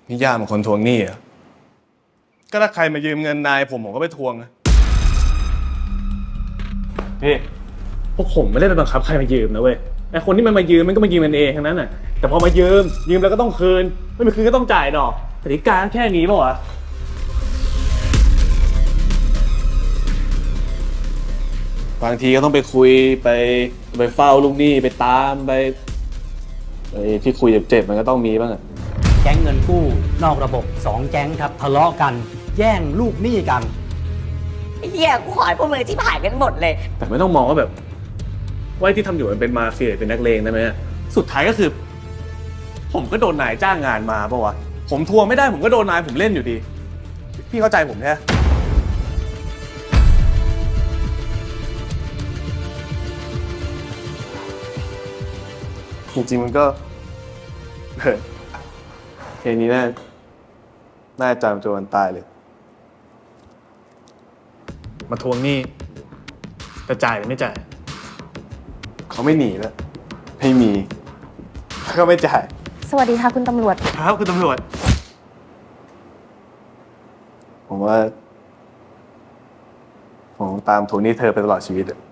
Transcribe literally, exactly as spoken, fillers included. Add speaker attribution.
Speaker 1: นี่ย่ามันคนทวงหนี้เหรอก็ถ้าใครมายืมเงินนายผมผมก็ไปทวงนะพี่พวกผมไม่ได้ไปบังคับใครมายืมนะเว้ยไอคนที่มันมายืมมันก็มายืมมันเองทั้งนั้นน่ะแต่พอมายืมยืมแล้วก็ต้องคืนไม่มีคืนก็ต้องจ่ายดอกกติกาแค่นี้ป่ะวะบางทีก็ต้องไปคุยไปไปเฝ้าลูกหนี้ไปตามไปไอ้ที่คุยเจ็บๆมันก็ต้องมีบ้างอะ
Speaker 2: แก๊งเงินกู้นอกระบบสองแก๊งครับทะเลาะกันแย่งลูกหนี้กัน
Speaker 3: ไอ้เหี้ยกูขอให้พวกมึงที่ผ่านกันหมดเลย
Speaker 1: แต่ไม่ต้องมองว่าแบบว่าที่ทำอยู่มันเป็นมาเฟียเป็นนักเลงได้ไหมสุดท้ายก็คือ ผมก็โดนนายจ้างงานมาปะวะผมทวงไม่ได้ผมก็โดนนายผมเล่นอยู่ดีพี่เข้าใจผมแค่จริงๆมันก็เฮ้ยเพลงนี้น่าน่าจำจนวันตายเลยมาทวงหนี้จะจ่ายหรือไม่จ่ายเขาไม่หนีแล้วไม่มีก็ไม่จ่าย
Speaker 4: สวัสดีค่ะคุณตำรวจ
Speaker 1: ครับคุณตำรวจผมว่าผมตามทวงหนี้เธอไปตลอดชีวิตอะ